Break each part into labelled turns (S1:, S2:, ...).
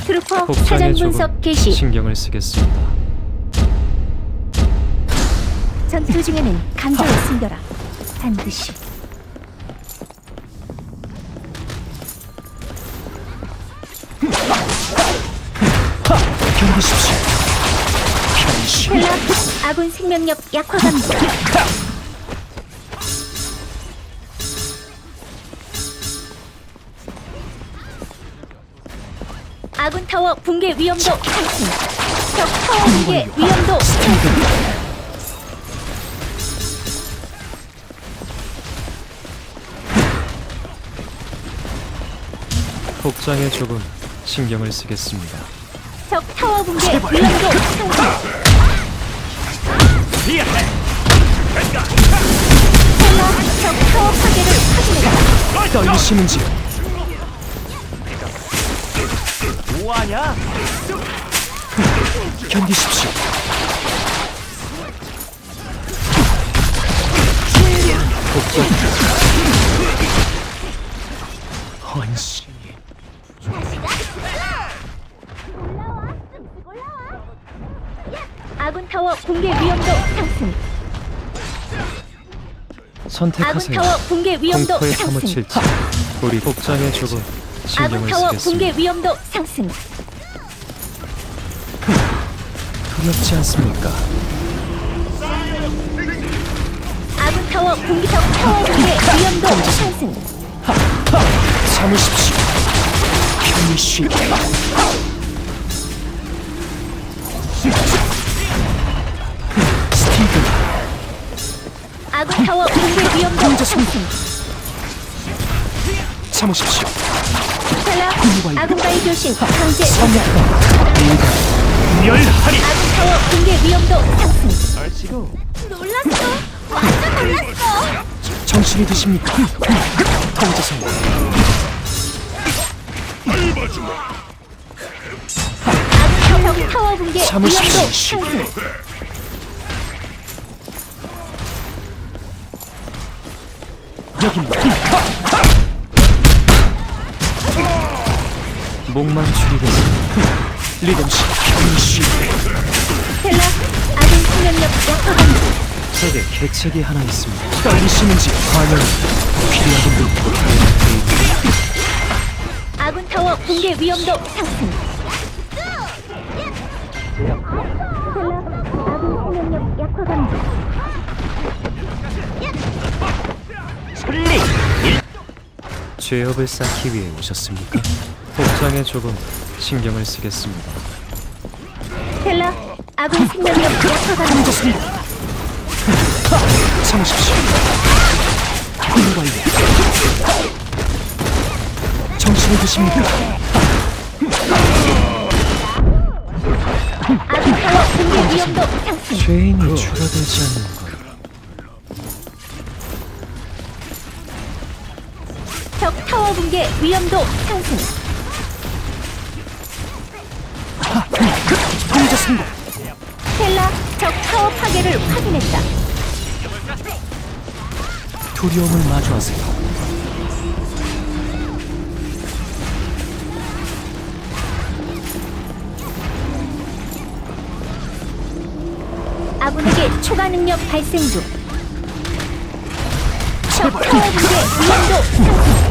S1: 트루퍼
S2: 복장에
S1: 사전
S2: 조금
S1: 분석 개시.
S2: 신경을 쓰겠습니다.
S1: 전투 중에는 감정을 숨겨라. 반드시.
S2: 견디십시오. 변신.
S1: 텔라 아군 생명력 약화 감지. 아군 타워 붕괴 위험도 상승. 적 타워 붕괴 위험도 상승.
S2: 복장에 조금 신경을 쓰겠습니다.
S1: 적 타워 붕괴 위험도 상승. 텔라 적 타워 파괴를 확인해라.
S2: 떨리시는지요?
S3: 뭐하냐?
S2: 견디십시오. 복장. 헌신.
S1: 아군 타워 붕괴 위험도 상승. 아군
S2: 선택하세요.
S1: 타워 붕괴 위험도
S2: 공포에
S1: 상승.
S2: 파묻힐지. 우리 복장에 조금
S1: 아군
S2: 신경을
S1: 타워 붕괴
S2: 쓰겠습니다.
S1: 위험도 상승.
S2: 두렵지 않습니까?
S1: 아군 타워 붕괴 적 타워 붕괴 위험도 상승.
S2: 참으십시오. 편히 쉬게. 스티븐.
S1: 아군 타워 붕괴 위험도 상승.
S2: 참으십시오.
S1: 텔라 아군과의 교신 강제.
S2: 멸하리.
S1: 아군 타워 붕괴 위험도 상승.
S3: 얼씨구.
S1: 놀랐어. 완전 놀랐어.
S2: 정신이 드십니까? 통제성.
S1: 아군 타워 붕괴 위험도
S2: 참으십시오.
S1: 상승.
S2: 여기입니다. 목만 줄이겠습니다. 리듬씨 편히 쉬게.
S1: 텔라 아군 생명력 약화 감지.
S2: 제게 계책이 하나 있습니다. 떨리시는지 과연 필요하신 분.
S1: 아군 타워 붕괴 위험도 상승. 텔라 아군 생명력 약화 감지.
S3: 솔리.
S2: 죄업을 쌓기 위해 오셨습니까? 복장에 조금 신경을 쓰겠습니다.
S1: 텔라 아군 생명력 약화 감지.
S2: 참으십시오. 군관리 정신이 드십니까?
S1: 아군 타워 붕괴 위험도 상승.
S2: 죄인이 줄어들지 않는 것.
S1: 적 타워 붕괴 위험도 상승.
S2: 통제 성공.
S1: 텔라 적 타워 파괴를 확인했다.
S2: 두려움을 마주하세요.
S1: 아군에게 초과 능력 발생 중. 적 타워 붕괴 위험도 상승.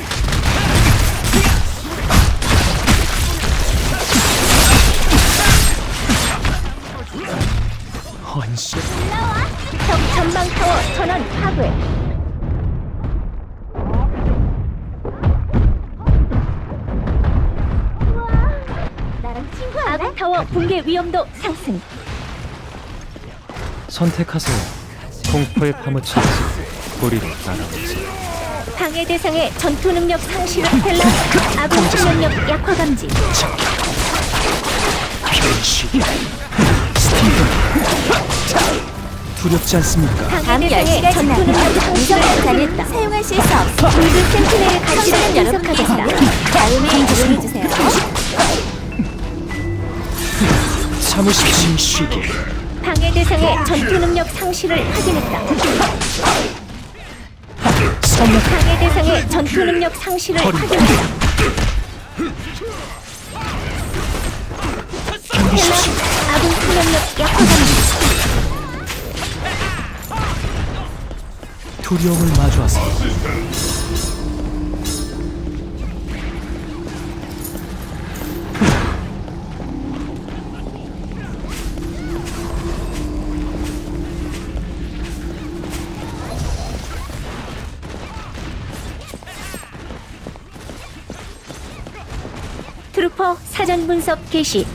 S2: 헌신.
S1: 적 전방 타워 전원 파괴. 나랑 친구할래? 아군 타워 붕괴 위험도 상승.
S2: 선택하세요. 공포에 파묻혀서 우리로 날아오세요.
S1: 방해 대상의 전투 능력 상실을 텔라 아군 생명력 약화 감지.
S2: 편히 스티븐. 두렵지 않습니까?
S1: 방해 대상의 전투 능력 상실을 확인했다. 사용하실 수 없어. 골드 센티넬의 가치를 분석하겠다. 다음에 이용해주세요.
S2: 참으십시오. 쉬게.
S1: 방해 대상의 전투 능력 상실을 확인했다. 방해 대상의 전투 능력 상실을 확인했다.
S2: 두려움을 마주하세요.
S1: 트루퍼 사전 분석 개시.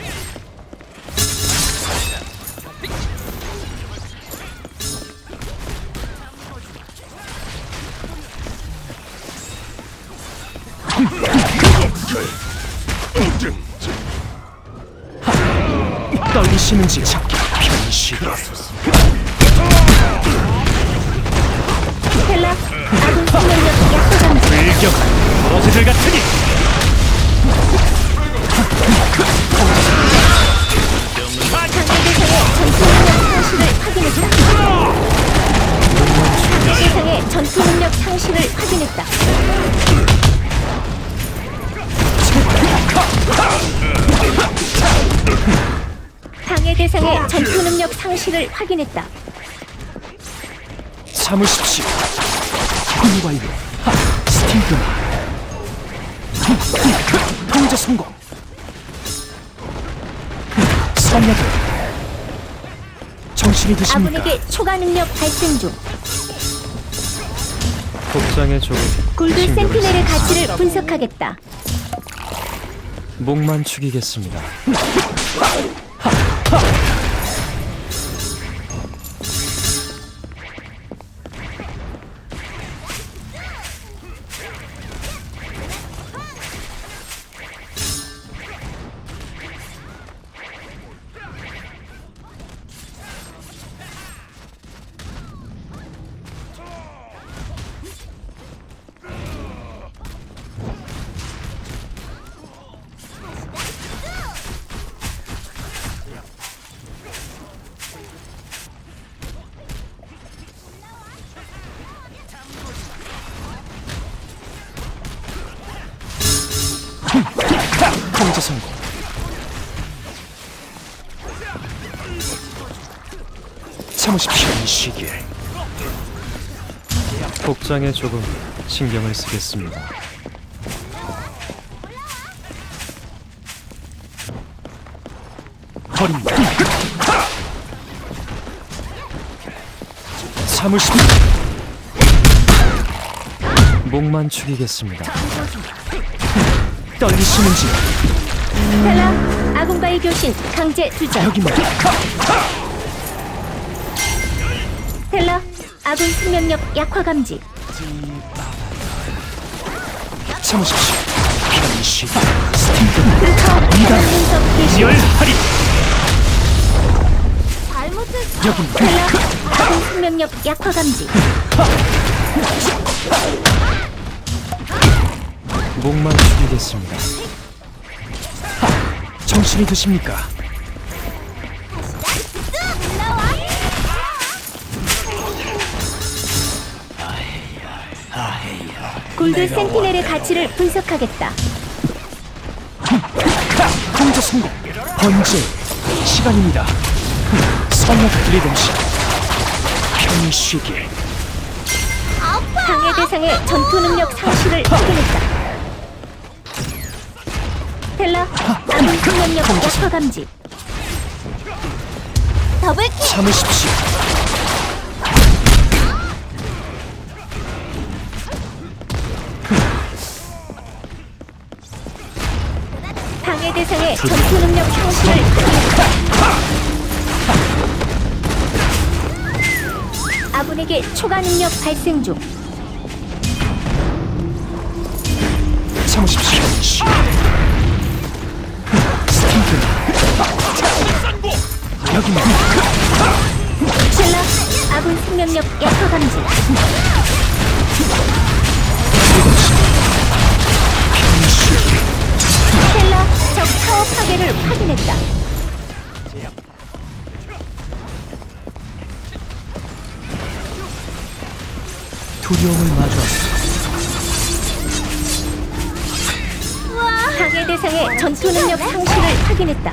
S2: 떨리시는지 편시.
S1: 스텔라 아군 생명력 약화 감지.
S3: 일격 버러지들 같으니
S1: 대상의 전투 능력 상실을 확인했다. 방해 대상의 전투 능력 상실을 확인했다.
S2: 참으십시오. 훈과이로 스티그마. 통제 성공. 성약을 정신이 드십니까?
S1: 아군에게 초과 능력 발생 중.
S2: 복장의 조금
S1: 골드 센티넬의 가치를 분석하겠다.
S2: 목만 축이겠습니다. 통제 성공. 참으십시오. 이 시기에 복장에 조금 신경을 쓰겠습니다. 버립니다. 참으십시오. 목만 축이겠습니다. 떨리시는지
S1: 스텔라 아군과의 교신 강제 투자.
S2: 여기입니다.
S1: 스텔라 아군 생명력 약화 감지.
S2: 참으십시오. 편시 스티그마.
S1: 트루퍼 사전 분석 개시.
S3: 열하리
S2: 여기입니다.
S1: 스텔라 아군 생명력 약화 감지.
S2: 목만 축이겠습니다. 정신이 드십니까?
S1: 골드 센티넬의 가치를 분석하겠다.
S2: 통제 성공. 번제 시간입니다. 성약 리듬시 편히 쉬길.
S1: 방해 대상의 전투 능력 상실을 확인했다. 스텔라 아군 생명력 약화 감지. 더블킬.
S2: 참으십시오.
S1: 방해 대상의 전투 능력 상실을 확인했다. 아군에게 초과 능력 발생 중.
S2: 참으십시오. 스티그마. 여기입니다.
S1: 셀라 아군 생명력 약화 감지.
S2: 리듬시 편히 쉬길.
S1: 셀라 적 타워 파괴를 확인했다.
S2: 두려움을 마주하세요.
S1: 방해 대상의 전투 능력 상실을 확인했다.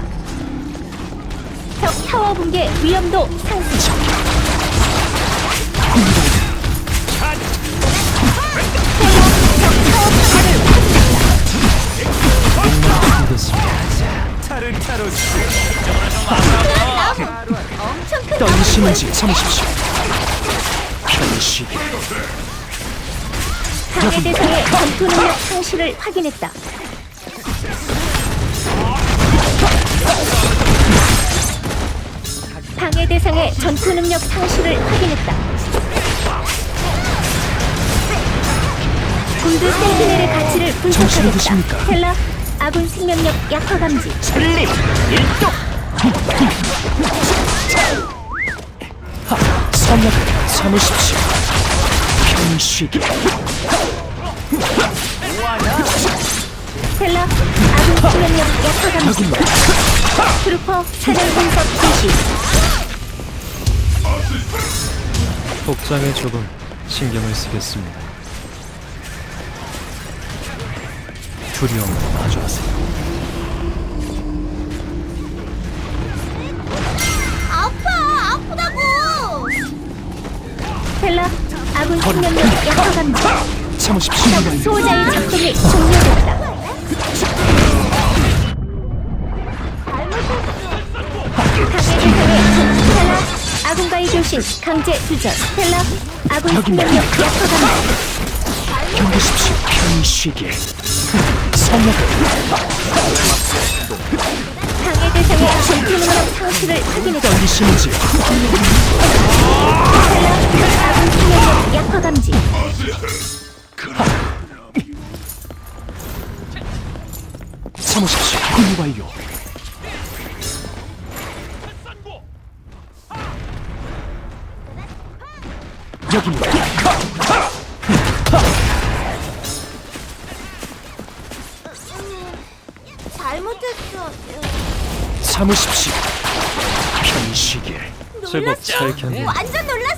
S1: 적 타워 붕괴 위험도 상승. 엄청 큰
S2: 떨리시는지 참으십시오. 편히 쉬게.
S1: 방해 대상의 전투 능력 상실을 확인했다. 방해 대상의 전투 능력 상실을 확인했다. 골드 센티넬의 가치를
S2: 정신이
S1: 분석하겠다.
S2: 드십니까?
S1: 텔라, 아군 생명력 약화 감지.
S3: 살림 일동.
S2: 성약을 참으십시오. 편히 쉬게.
S1: 텔라, 아군 생명력 약화 감지.
S2: 여기만
S1: 트루퍼 사냥 분석 실시.
S2: 복장에 조금 신경을 쓰겠습니다. 두려움을 마주하세요.
S1: 아프다고. 텔라, 아군 생명력 약화 감지.
S2: 참으십시오.
S1: 적 수호자의 작동이 종료됐다. 텔라, 아군과의 교신 강제 투전. 텔라, 아군 생명력 약화 감지.
S2: 견디십시오. 편히 쉬게. 성약을
S1: 방해 대상의 전투 능력 상실을 확인했다.
S2: 떨리시는지
S1: 텔라, 아군 생명력 약화 감지.
S2: 참으십시오. 군무 완료. 여기입니다.
S1: 잘못했어.
S2: 참으십시오. 편히 쉬게. 제법 잘 견뎌.
S1: 완전 놀랐어.